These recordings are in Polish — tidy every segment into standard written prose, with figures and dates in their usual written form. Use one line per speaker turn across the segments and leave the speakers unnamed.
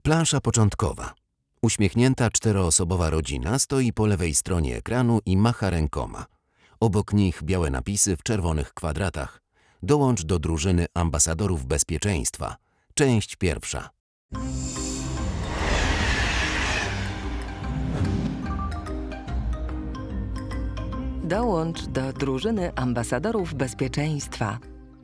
Plansza początkowa. Uśmiechnięta czteroosobowa rodzina stoi po lewej stronie ekranu i macha rękoma. Obok nich białe napisy w czerwonych kwadratach. Dołącz do drużyny ambasadorów bezpieczeństwa. Część pierwsza.
Dołącz do drużyny ambasadorów bezpieczeństwa.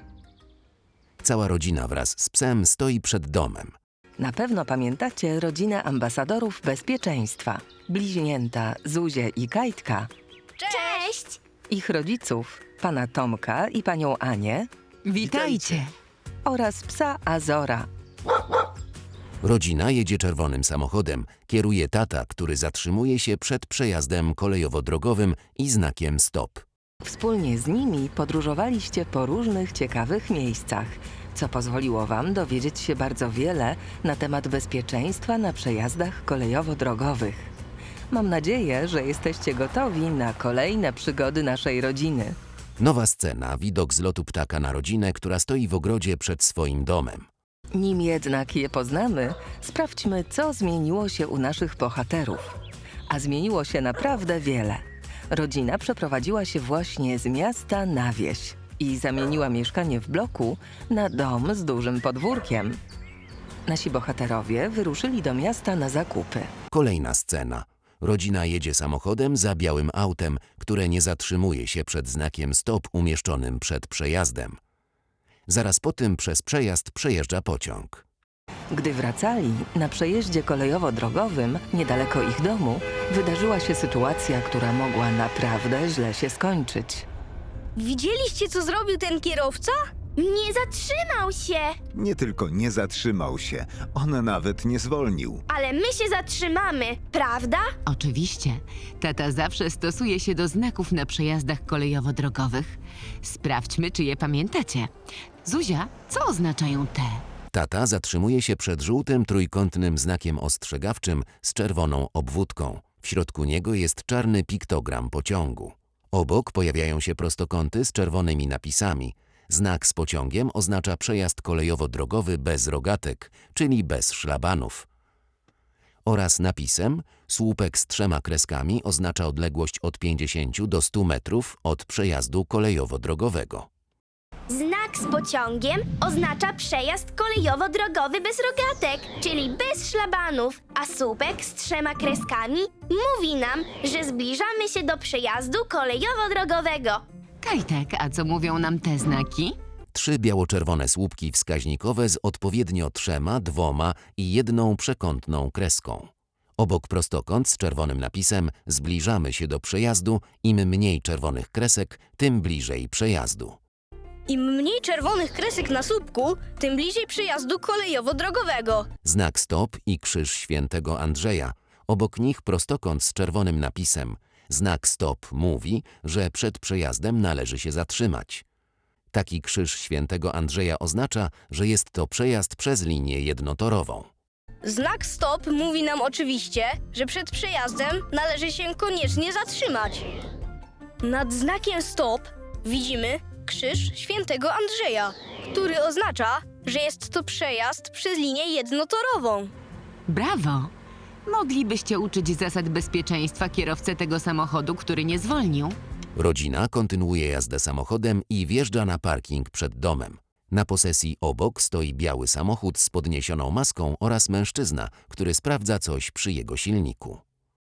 Cała rodzina wraz z psem stoi przed domem.
Na pewno pamiętacie rodzinę ambasadorów bezpieczeństwa. Bliźnięta Zuzię i Kajtka,
Cześć!
ich rodziców, pana Tomka i panią Anię
Witajcie!
oraz psa Azora.
Rodzina jedzie czerwonym samochodem. Kieruje tata, który zatrzymuje się przed przejazdem kolejowo-drogowym i znakiem stop.
Wspólnie z nimi podróżowaliście po różnych ciekawych miejscach, co pozwoliło wam dowiedzieć się bardzo wiele na temat bezpieczeństwa na przejazdach kolejowo-drogowych. Mam nadzieję, że jesteście gotowi na kolejne przygody naszej rodziny.
Nowa scena, widok z lotu ptaka na rodzinę, która stoi w ogrodzie przed swoim domem.
Nim jednak je poznamy, sprawdźmy, co zmieniło się u naszych bohaterów. A zmieniło się naprawdę wiele. Rodzina przeprowadziła się właśnie z miasta na wieś i zamieniła mieszkanie w bloku na dom z dużym podwórkiem. Nasi bohaterowie wyruszyli do miasta na zakupy.
Kolejna scena. Rodzina jedzie samochodem za białym autem, które nie zatrzymuje się przed znakiem stop umieszczonym przed przejazdem. Zaraz po tym przez przejazd przejeżdża pociąg.
Gdy wracali, na przejeździe kolejowo-drogowym, niedaleko ich domu, wydarzyła się sytuacja, która mogła naprawdę źle się skończyć.
Widzieliście, co zrobił ten kierowca? Nie zatrzymał się!
Nie tylko nie zatrzymał się, on nawet nie zwolnił.
Ale my się zatrzymamy, prawda?
Oczywiście. Tata zawsze stosuje się do znaków na przejazdach kolejowo-drogowych. Sprawdźmy, czy je pamiętacie. Zuzia, co oznaczają te?
Tata zatrzymuje się przed żółtym trójkątnym znakiem ostrzegawczym z czerwoną obwódką. W środku niego jest czarny piktogram pociągu. Obok pojawiają się prostokąty z czerwonymi napisami. Znak z pociągiem oznacza przejazd kolejowo-drogowy bez rogatek, czyli bez szlabanów. Oraz napisem słupek z 3 kreskami oznacza odległość od 50 do 100 metrów od przejazdu kolejowo-drogowego.
Znak z pociągiem oznacza przejazd kolejowo-drogowy bez rogatek, czyli bez szlabanów, a słupek z 3 kreskami mówi nam, że zbliżamy się do przejazdu kolejowo-drogowego.
Kajtek, a co mówią nam te znaki?
3 biało-czerwone słupki wskaźnikowe z odpowiednio 3, 2 i 1 przekątną kreską. Obok prostokąt z czerwonym napisem zbliżamy się do przejazdu. Im mniej czerwonych kresek, tym bliżej przejazdu.
Im mniej czerwonych kresek na słupku, tym bliżej przejazdu kolejowo-drogowego.
Znak stop i krzyż świętego Andrzeja. Obok nich prostokąt z czerwonym napisem. Znak stop mówi, że przed przejazdem należy się zatrzymać. Taki krzyż świętego Andrzeja oznacza, że jest to przejazd przez linię jednotorową.
Znak stop mówi nam oczywiście, że przed przejazdem należy się koniecznie zatrzymać. Nad znakiem stop widzimy krzyż świętego Andrzeja, który oznacza, że jest to przejazd przez linię jednotorową.
Brawo! Moglibyście uczyć zasad bezpieczeństwa kierowcę tego samochodu, który nie zwolnił?
Rodzina kontynuuje jazdę samochodem i wjeżdża na parking przed domem. Na posesji obok stoi biały samochód z podniesioną maską oraz mężczyzna, który sprawdza coś przy jego silniku.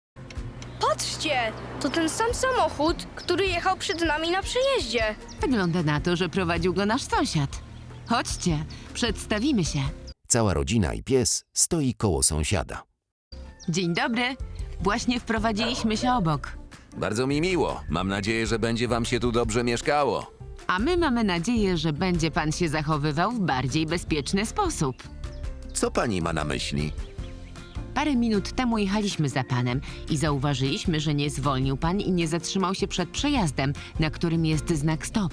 Patrzcie, to ten sam samochód, który jechał przed nami na przejeździe.
Wygląda na to, że prowadził go nasz sąsiad. Chodźcie, przedstawimy się.
Cała rodzina i pies stoi koło sąsiada.
Dzień dobry. Właśnie wprowadziliśmy się obok.
Bardzo mi miło. Mam nadzieję, że będzie wam się tu dobrze mieszkało.
A my mamy nadzieję, że będzie pan się zachowywał w bardziej bezpieczny sposób.
Co pani ma na myśli?
Parę minut temu jechaliśmy za panem i zauważyliśmy, że nie zwolnił pan i nie zatrzymał się przed przejazdem, na którym jest znak stop.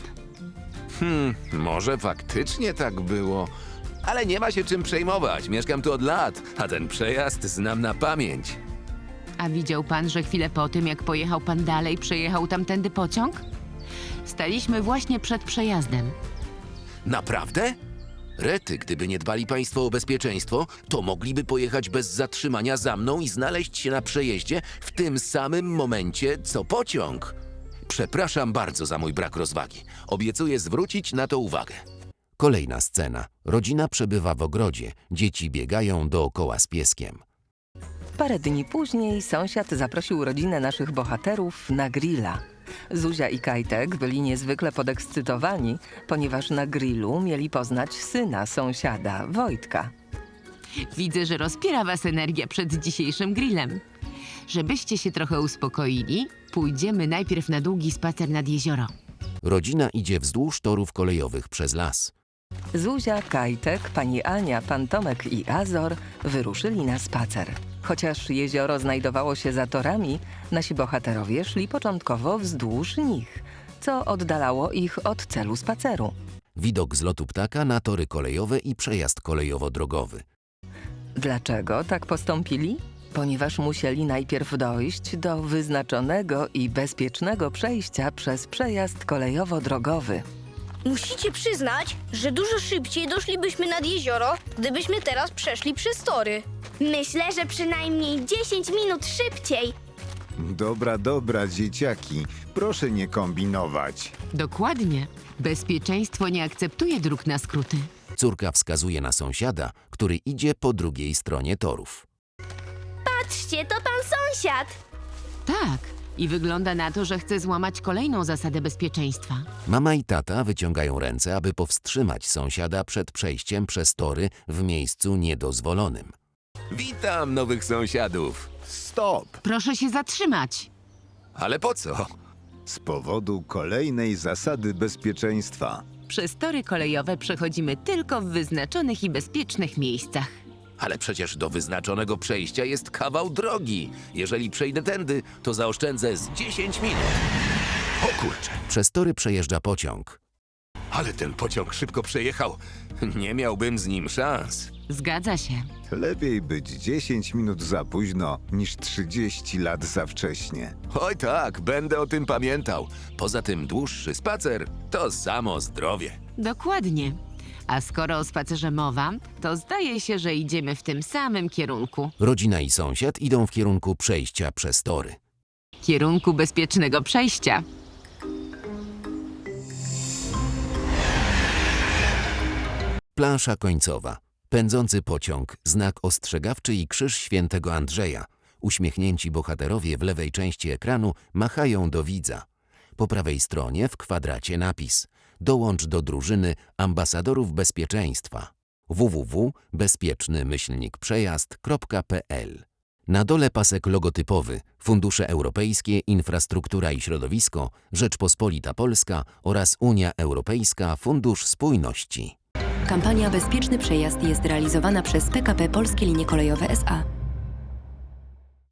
Może faktycznie tak było, ale nie ma się czym przejmować. Mieszkam tu od lat, a ten przejazd znam na pamięć.
A widział pan, że chwilę po tym, jak pojechał pan dalej, przejechał tamtędy pociąg? Staliśmy właśnie przed przejazdem.
Naprawdę?
Rety, gdyby nie dbali państwo o bezpieczeństwo, to mogliby pojechać bez zatrzymania za mną i znaleźć się na przejeździe w tym samym momencie, co pociąg. Przepraszam bardzo za mój brak rozwagi. Obiecuję zwrócić na to uwagę. Kolejna scena. Rodzina przebywa w ogrodzie. Dzieci biegają dookoła z pieskiem.
Parę dni później sąsiad zaprosił rodzinę naszych bohaterów na grilla. Zuzia i Kajtek byli niezwykle podekscytowani, ponieważ na grillu mieli poznać syna sąsiada, Wojtka.
Widzę, że rozpiera was energia przed dzisiejszym grillem. Żebyście się trochę uspokoili, pójdziemy najpierw na długi spacer nad jezioro.
Rodzina idzie wzdłuż torów kolejowych przez las.
Zuzia, Kajtek, pani Ania, pan Tomek i Azor wyruszyli na spacer. Chociaż jezioro znajdowało się za torami, nasi bohaterowie szli początkowo wzdłuż nich, co oddalało ich od celu spaceru.
Widok z lotu ptaka na tory kolejowe i przejazd kolejowo-drogowy.
Dlaczego tak postąpili? Ponieważ musieli najpierw dojść do wyznaczonego i bezpiecznego przejścia przez przejazd kolejowo-drogowy.
Musicie przyznać, że dużo szybciej doszlibyśmy nad jezioro, gdybyśmy teraz przeszli przez tory.
Myślę, że przynajmniej 10 minut szybciej.
Dobra, dzieciaki. Proszę nie kombinować.
Dokładnie. Bezpieczeństwo nie akceptuje dróg na skróty.
Córka wskazuje na sąsiada, który idzie po drugiej stronie torów.
Patrzcie, to pan sąsiad.
Tak. I wygląda na to, że chce złamać kolejną zasadę bezpieczeństwa.
Mama i tata wyciągają ręce, aby powstrzymać sąsiada przed przejściem przez tory w miejscu niedozwolonym.
Witam nowych sąsiadów.
Stop!
Proszę się zatrzymać.
Ale po co?
Z powodu kolejnej zasady bezpieczeństwa.
Przez tory kolejowe przechodzimy tylko w wyznaczonych i bezpiecznych miejscach.
Ale przecież do wyznaczonego przejścia jest kawał drogi. Jeżeli przejdę tędy, to zaoszczędzę z 10 minut.
O kurczę,
Przez tory przejeżdża pociąg.
ale ten pociąg szybko przejechał. Nie miałbym z nim szans.
Zgadza się.
Lepiej być 10 minut za późno, niż 30 lat za wcześnie.
Oj tak, będę o tym pamiętał.
Poza tym dłuższy spacer to samo zdrowie.
Dokładnie. A skoro o spacerze mowa, to zdaje się, że idziemy w tym samym kierunku.
Rodzina i sąsiad idą w kierunku przejścia przez tory.
Kierunku bezpiecznego przejścia.
Plansza końcowa. Pędzący pociąg, znak ostrzegawczy i krzyż świętego Andrzeja. Uśmiechnięci bohaterowie w lewej części ekranu machają do widza. Po prawej stronie w kwadracie napis: dołącz do drużyny ambasadorów bezpieczeństwa. www.bezpieczny-przejazd.pl. Na dole pasek logotypowy: Fundusze Europejskie, Infrastruktura i Środowisko, Rzeczpospolita Polska oraz Unia Europejska Fundusz Spójności.
Kampania Bezpieczny Przejazd jest realizowana przez PKP Polskie Linie Kolejowe SA.